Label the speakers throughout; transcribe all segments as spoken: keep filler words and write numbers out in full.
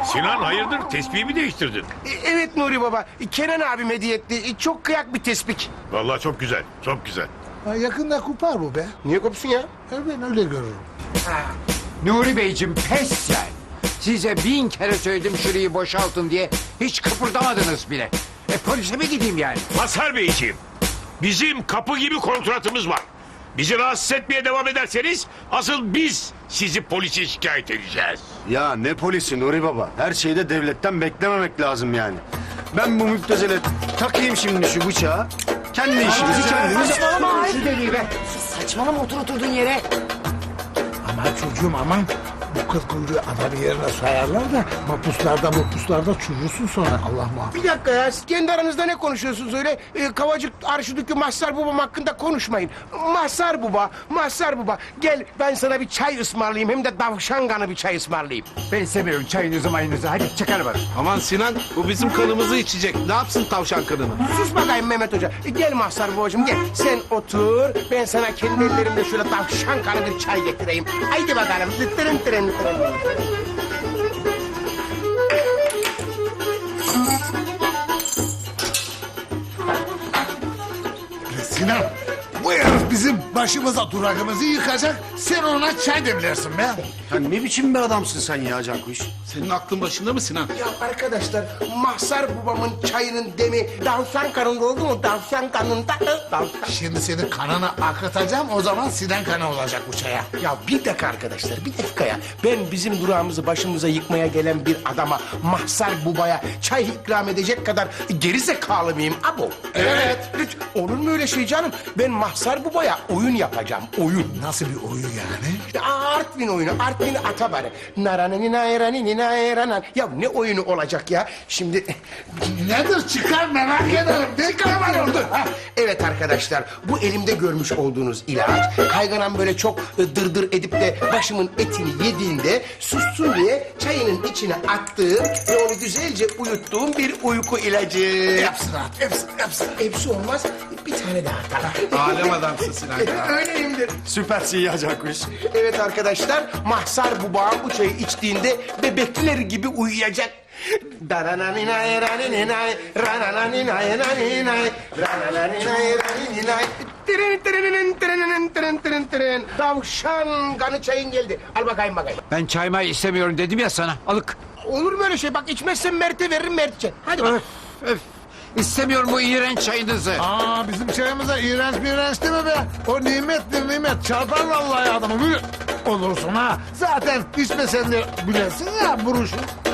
Speaker 1: Sinan hayırdır tespihi mi değiştirdin?
Speaker 2: E, Evet Nuri Baba, Kenan abim hediye etti. E, Çok kıyak bir tespih.
Speaker 1: Vallahi çok güzel, çok güzel.
Speaker 3: Ha, yakında kopar bu be.
Speaker 2: Niye kopsun ya?
Speaker 3: Ha, ben öyle görürüm.
Speaker 4: Nuri Beyciğim pes sen. Size bin kere söyledim şurayı boşaltın diye. Hiç kıpırdamadınız bile. E polise mi gideyim yani?
Speaker 1: Mazhar Beyciğim, bizim kapı gibi kontratımız var. Bizi rahatsız etmeye devam ederseniz asıl biz sizi polise şikayet edeceğiz.
Speaker 5: Ya ne polisi Nuri Baba? Her şeyde devletten beklememek lazım yani. Ben bu müptezele takayım şimdi şu bıçağı. Kendi işimizi kendimiz...
Speaker 4: Saçmalama şu deliği be.
Speaker 6: Saçmalama otur oturduğun yere.
Speaker 3: Aman çocuğum aman. Bu kız kuyruğu adamı yerine sayarlar da mapuslarda mapuslarda çürürsün sonra Allah muhafaza.
Speaker 2: Bir dakika ya, siz kendi aranızda ne konuşuyorsunuz öyle? E, Kavacık Arşidükü Mazhar Babam hakkında konuşmayın. Mazhar Baba, Mazhar Baba. Gel ben sana bir çay ısmarlayayım, hem de davşan kanı bir çay ısmarlayayım.
Speaker 4: Ben istemiyorum çayınızı mayınızı. Hadi çıkar bana.
Speaker 7: Aman Sinan, bu bizim kanımızı içecek. Ne yapsın tavşan kanını?
Speaker 2: Sus bakayım Mehmet Hoca. E, Gel Mazhar Babacığım gel. Sen otur, ben sana kendi ellerimle şöyle davşan kanı bir çay getireyim. Haydi bakalım. Tırın tırın tırın.
Speaker 3: Sinan bu herif bizim başımıza durakımızı yıkacak. Sen ona çay demlersin be.
Speaker 5: Ya ne biçim bir adamsın sen ya Cankuş?
Speaker 7: Senin aklın başında mı Sinan?
Speaker 2: Ya arkadaşlar, Mazhar Babamın çayının demi davşan kanında oldu mu? Davşan kanında. Davşan.
Speaker 3: Şimdi senin kanını akıtacağım o zaman Sinan kanı olacak bu çaya.
Speaker 2: Ya bir dakika arkadaşlar, bir dakika ya. Ben bizim durağımızı başımıza yıkmaya gelen bir adama, Mazhar Baba'ya çay ikram edecek kadar geri zekalı mıyım abo? Evet. Lütfen, olur mu öyle şey canım? Ben Mazhar Baba'ya oyun yapacağım, oyun.
Speaker 3: Nasıl bir oyun yani?
Speaker 2: İşte Artvin oyunu, Artvin Atabarı. Naranini nayranini nayranan. Ya ne oyunu olacak ya? Şimdi...
Speaker 3: Nedir çıkar merak ederim. Ne kadar var orada?
Speaker 2: Ha, evet arkadaşlar, bu elimde görmüş olduğunuz ilaç, kayganan böyle çok e, dırdır edip de başımın etini yediğinde sussun diye çayının içine attığım ve onu güzelce uyuttuğum bir uyku ilacı.
Speaker 3: Hepsini at, hepsini, hepsini.
Speaker 2: Hepsi olmaz, bir tane daha atar.
Speaker 7: Alem adamsın Sinan ya.
Speaker 2: Öyleyimdir.
Speaker 5: Süpersin ya Cankuş.
Speaker 2: Evet arkadaşlar, Mazhar Babam bu çayı içtiğinde bebekler gibi uyuyacak. Darananinay, rananinay, ranananinay, raninay, ranananinay, raninay. Tırın tırınının tırınının tırın tırın tırın. Tavşan kanı çayın geldi. Al bakayım bakayım.
Speaker 4: Ben çay may istemiyorum dedim ya sana. Alık.
Speaker 2: Olur mu öyle şey? Bak içmezsen Mert'e veririm, Mert içer. Hadi bak.
Speaker 4: Öf öf. İstemiyorum bu iğrenç çayınızı.
Speaker 3: Aa bizim çayımıza iğrenç bir iğrenç değil mi be? O nimettir nimet çarpar vallahi adamı. Buyur. Olursun ha. Zaten içmesen de bilesin ya buruşu.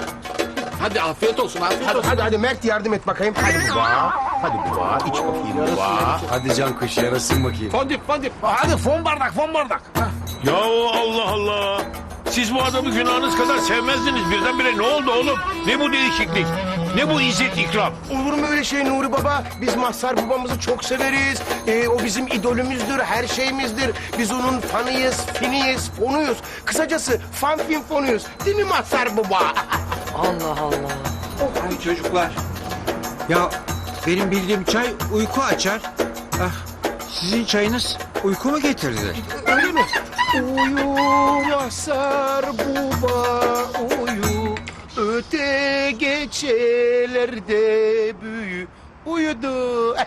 Speaker 7: Hadi afiyet olsun, afiyet
Speaker 2: Hadi,
Speaker 7: olsun.
Speaker 2: hadi hadi Mert yardım et bakayım. Hadi baba. Hadi baba. İç bakayım baba.
Speaker 5: Hadi Cankuş yarasın bakayım.
Speaker 7: Fondip, fondip.
Speaker 3: Hadi fon bardak fon bardak. Ha.
Speaker 1: Ya Allah Allah. Siz bu adamı günahınız kadar sevmezdiniz. Birdenbire ne oldu oğlum? Ne bu değişiklik? Ne bu izzet ikram?
Speaker 2: Olur mu öyle şey Nuri Baba? Biz Mazhar Babamızı çok severiz. Ee, o bizim idolümüzdür, her şeyimizdir. Biz onun fanıyız, finiyiz, fonuyuz. Kısacası fan fin fonuyuz. Değil mi Mazhar Baba?
Speaker 6: Allah Allah.
Speaker 4: Ay çocuklar. Ya benim bildiğim çay uyku açar. Ah, sizin çayınız uyku mu getirdi?
Speaker 2: Öyle mi? Uyu Mazhar Baba, uyu. Öte geçelerde büyü. Uyudu.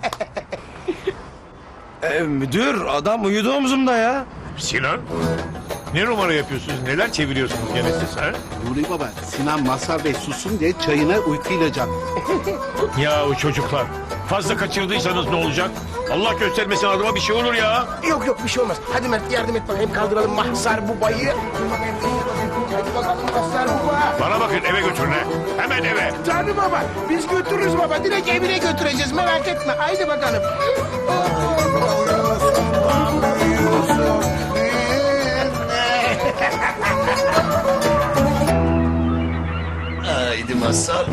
Speaker 5: Ee, müdür adam uyudu omzumda ya.
Speaker 1: Sinan, ne numara yapıyorsunuz? Neler çeviriyorsunuz gene siz ha?
Speaker 7: Nuri Baba, Sinan Mazhar Bey sussun diye çayına uyku ilacı attı.
Speaker 1: Ya o çocuklar, fazla kaçırdıysanız ne olacak? Allah göstermesin adıma bir şey olur ya.
Speaker 2: Yok yok bir şey olmaz. Hadi Mert yardım et bakayım, kaldıralım Mazhar Baba'yı. Hadi bakalım Mazhar Baba.
Speaker 1: Bana bakın eve götürün ha. Hemen eve.
Speaker 2: Canım baba, biz götürürüz baba. Direkt evine götüreceğiz, merak etme. Haydi bakalım.
Speaker 5: Haydi Mazhar.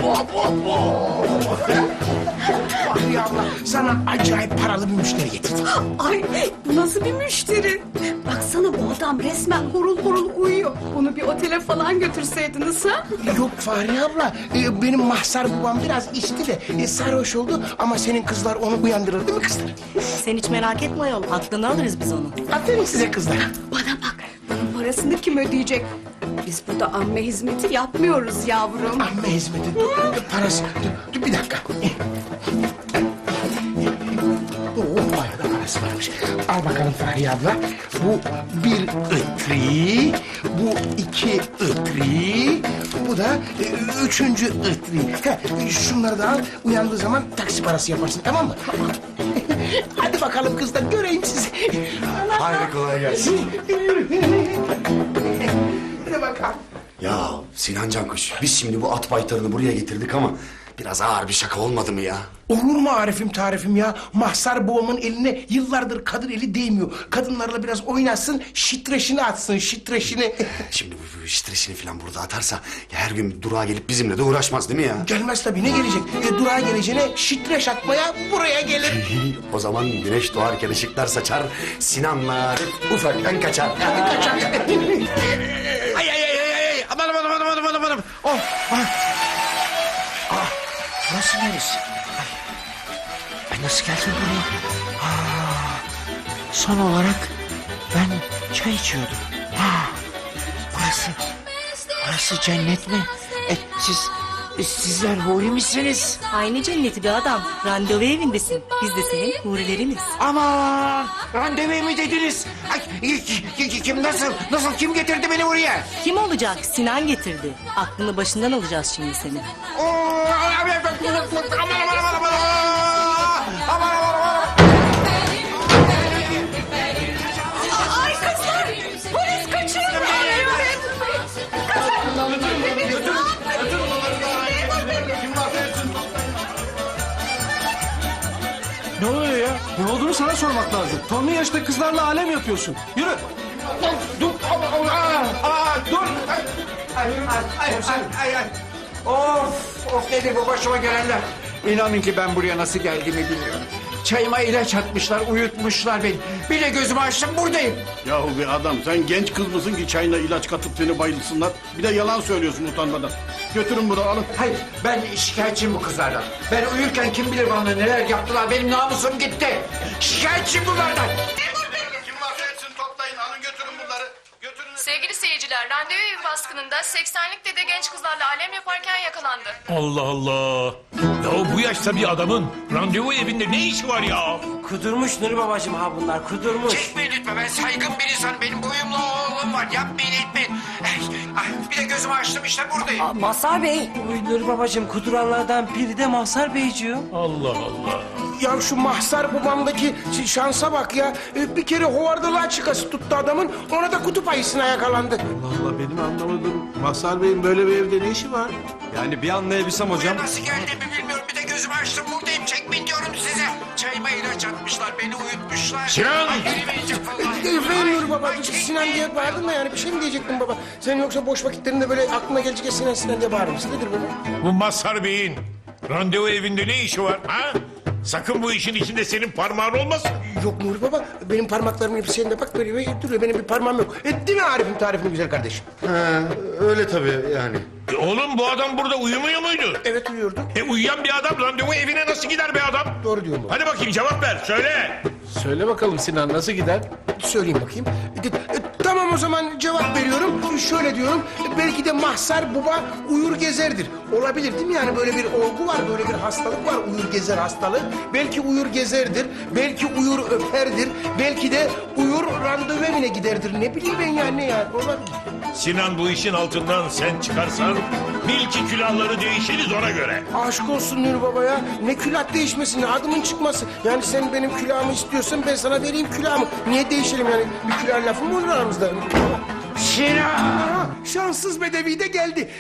Speaker 2: Bahriye abla, sana acayip paralı bir müşteri getirdim.
Speaker 6: Ay bu nasıl bir müşteri? Baksana bu adam resmen horul horul uyuyor. Onu bir otele falan götürseydiniz ha?
Speaker 2: Yok Fahriye abla, e, benim Mazhar Babam biraz içti de e, sarhoş oldu. Ama senin kızlar onu uyandırır değil mi kızlar?
Speaker 6: Sen hiç merak etme ayol. Aklını alırız biz onu.
Speaker 2: Aferin size kızlar.
Speaker 6: Bana bak. Bunun parasını kim ödeyecek? Biz burada amme hizmeti yapmıyoruz yavrum.
Speaker 2: Amme hizmeti, dur, dur, parası. Dur, dur bir dakika. Oh, bayağı da parası varmış. Al bakalım Fahriye abla. Bu bir ıtri, bu iki ıtri, bu da e, üçüncü ıtri. Heh, şunları da al, uyandığı zaman taksi parası yaparsın, tamam mı? Hadi bakalım kızlar, göreyim sizi.
Speaker 5: Haydi kolay gelsin.
Speaker 2: Hadi bakalım.
Speaker 5: Ya Sinan Cankuş, biz şimdi bu at baytarını buraya getirdik ama biraz ağır bir şaka olmadı mı ya?
Speaker 2: Olur mu Arif'im tarifim ya? Mahsar babamın eline yıllardır kadın eli değmiyor. Kadınlarla biraz oynasın, şitreşini atsın, şitreşini.
Speaker 5: Şimdi bu, bu stresini falan burada atarsa ya her gün durağa gelip bizimle de uğraşmaz değil mi ya?
Speaker 2: Gelmez tabii, ne gelecek? E, durağa geleceğine şitreş atmaya buraya gelir.
Speaker 5: O zaman güneş doğarken ışıklar saçar, Sinan'la Arif ufaktan kaçar.
Speaker 2: Kaçar.
Speaker 1: Ay ay ay ay ay. Aman aman aman aman aman aman. Oh.
Speaker 2: Nasıl neresi? Ay. Ay nasıl geldin buraya? Aa, son olarak ben çay içiyordum. Ha, burası, burası cennet mi? E, siz, sizler huri misiniz?
Speaker 8: Aynı cenneti bir adam. Randevu evindesin. Biz de senin hurileriniz.
Speaker 2: Aman, randevu mi dediniz? Ay, ki- ki- kim nasıl, nasıl kim getirdi beni buraya?
Speaker 8: Kim olacak? Sinan getirdi. Aklını başından alacağız şimdi seni.
Speaker 2: Oo, aman aman aman aman aman. Aman aman aman.
Speaker 6: Ay kızlar! Polis kaçıyor!
Speaker 9: Ne oluyor ya? Ne olduğunu sana sormak lazım. Tonlu yaşta kızlarla alem yapıyorsun. Yürü.
Speaker 2: Dur, aa, aa, aa, dur. Ay, ay, ay, ay, ay, ay.
Speaker 4: Of of nedir bu başıma gelenler? İnanın ki ben buraya nasıl geldiğimi bilmiyorum. Çayıma ilaç atmışlar, uyutmuşlar beni. Bir de gözümü açtım buradayım.
Speaker 7: Yahu bir adam sen genç kız mısın ki çayına ilaç katıp seni bayılsınlar. Bir de yalan söylüyorsun utanmadan. Götürün bunu alın.
Speaker 4: Hayır, ben şikayetçiyim bu kızlardan. Ben uyurken kim bilir bana neler yaptılar. Benim namusum gitti. Şikayetçiyim bunlardan.
Speaker 7: Kim varsa etsin toplayın alın götürün bunları. Götürün.
Speaker 10: Sevgili seyirciler, randevu evi baskınında seksenlik dede genç kızlarla alem yaparken yakalandı.
Speaker 1: Allah Allah. Ya bu yaşta bir adamın randevu evinde ne işi var ya?
Speaker 11: Kudurmuş Nuri babacığım ha bunlar kudurmuş.
Speaker 4: Çekmeyin lütfen, ben saygın bir insanım. Benim boyumla oğlum var. Yapmayın etmeyin. Eh, ah, bir de gözümü açtım işte buradayım.
Speaker 11: Aa, Mazhar Bey. Uy Nuri babacığım kuduranlardan biri de Mazhar Beyciğim.
Speaker 1: Allah Allah.
Speaker 2: Ya şu mahsar babamdaki ş- şansa bak ya. Ee, Bir kere hovardalığa çıkası tuttu adamın. Ona da kutup ayısına yakalandı.
Speaker 7: Allah Allah benim anlamadığım Mazhar Bey'in böyle bir evde ne işi var?
Speaker 9: Yani bir anlayabilsem
Speaker 4: Buraya nasıl geldiğimi bilmiyorum. Bir de gözümü açtım buradayım. Çekmeyin diyorum size. Çayıma ilaç atmışlar, beni uyutmuşlar.
Speaker 1: Sinan!
Speaker 4: Ay, yürümeyeceğim vallahi.
Speaker 2: Efendim Nuri babacığım, Sinan diye bağırdın da yani bir şey mi diyecektin baba? Sen yoksa boş vakitlerinde böyle aklına gelecek Sinan Sinan diye bağırır mısın? Nedir baba?
Speaker 1: Bu Mazhar Bey'in randevu evinde ne işi var ha? Sakın bu işin içinde senin parmağın olmasın.
Speaker 2: Yok Nuri baba, benim parmaklarımın hepsi senin bak böyle böyle duruyor. Benim bir parmağım yok. E, değil mi Arif'im tarifini güzel kardeşim?
Speaker 5: Ha, öyle tabii yani.
Speaker 1: E oğlum bu adam burada uyumuyor muydu?
Speaker 2: Evet uyuyordu.
Speaker 1: E uyuyan bir adam randevu evine nasıl gider be adam?
Speaker 2: Doğru diyorum baba.
Speaker 1: Hadi bakayım cevap ver söyle.
Speaker 7: Söyle bakalım Sinan nasıl gider?
Speaker 2: Söyleyeyim bakayım. E, e, tamam o zaman cevap veriyorum. Şöyle diyorum. e, Belki de mahsar baba uyur gezerdir. Olabilir değil mi? Yani böyle bir olgu var, böyle bir hastalık var. Uyur gezer hastalığı. Belki uyur gezerdir. Belki uyur öperdir. Belki de uyur randevu evine giderdir. Ne bileyim ben yani ne yani. Olabilir.
Speaker 1: Sinan bu işin altından sen çıkarsan bil ki külahları değişiriz ona göre.
Speaker 2: Aşk olsun Nuri Baba ya. Ne külah değişmesi, ne adımın çıkması. Yani sen benim külahımı istiyorsan ben sana vereyim külahımı. Niye değişelim yani? Bir külah lafı mı olur aramızda?
Speaker 4: Sinan!
Speaker 2: Aa, şanssız bedevi de geldi.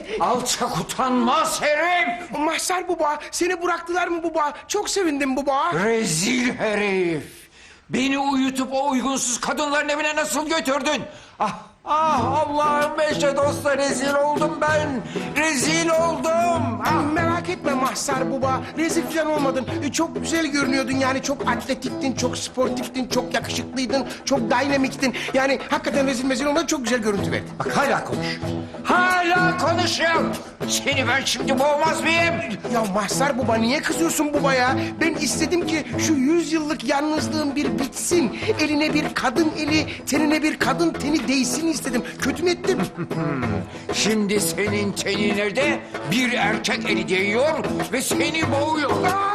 Speaker 4: Alçak utanmaz herif!
Speaker 2: Mahsar baba, seni bıraktılar mı baba? Çok sevindim baba.
Speaker 4: Rezil herif! Beni uyutup o uygunsuz kadınların evine nasıl götürdün? Ah, ah Allah'ım eşe dosta rezil oldum ben! Rezil oldum! Tamam.
Speaker 2: Ah, merak etme Mahsar Baba. Rezil falan olmadın. E, çok güzel görünüyordun yani. Çok atletiktin, çok sportiftin, çok yakışıklıydın, çok dinamiktin. Yani hakikaten rezil mezil olmadın. Çok güzel görüntü verdin.
Speaker 4: Bak hala konuş. Hala konuşuyor. Seni ben şimdi boğmaz mıyım?
Speaker 2: Ya Mahsar Baba niye kızıyorsun baba ya? Ben istedim ki şu yüz yıllık yalnızlığım bir bitsin. Eline bir kadın eli, tenine bir kadın teni değsin istedim. Kötü mü ettim?
Speaker 4: Şimdi senin tenine de bir erkek eli değiyor ve seni boğuyor.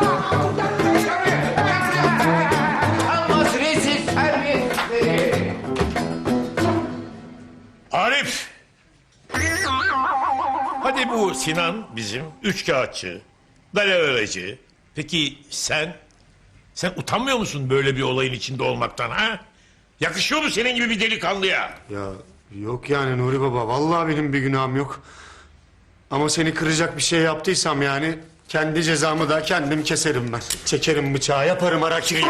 Speaker 4: Almaz rezil terbiyesizleri.
Speaker 1: Arif! Hadi bu Sinan bizim üç kağıtçı, dalalalacı. Peki sen? Sen utanmıyor musun böyle bir olayın içinde olmaktan ha? Yakışıyor mu senin gibi bir delikanlıya?
Speaker 5: Ya yok yani Nuri Baba. Vallahi benim bir günahım yok. Ama seni kıracak bir şey yaptıysam yani kendi cezamı da kendim keserim ben. Çekerim bıçağı, yaparım harakiri.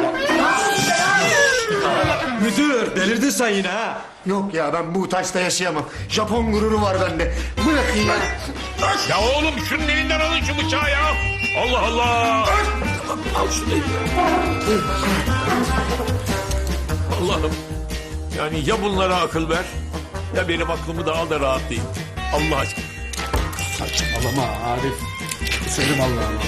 Speaker 9: Müdür delirdin sen yine ha.
Speaker 5: Yok ya ben bu taşta yaşayamam. Japon gururu var bende. Bırakın ya.
Speaker 1: Ya oğlum şunun elinden alın şu bıçağı ya. Allah Allah. Al şunu elinden. Allah'ım. Yani ya bunlara akıl ver ya benim aklımı da al da rahatlayayım. Allah aşkına.
Speaker 9: Saçmalama Arif. Selim Allah'ım.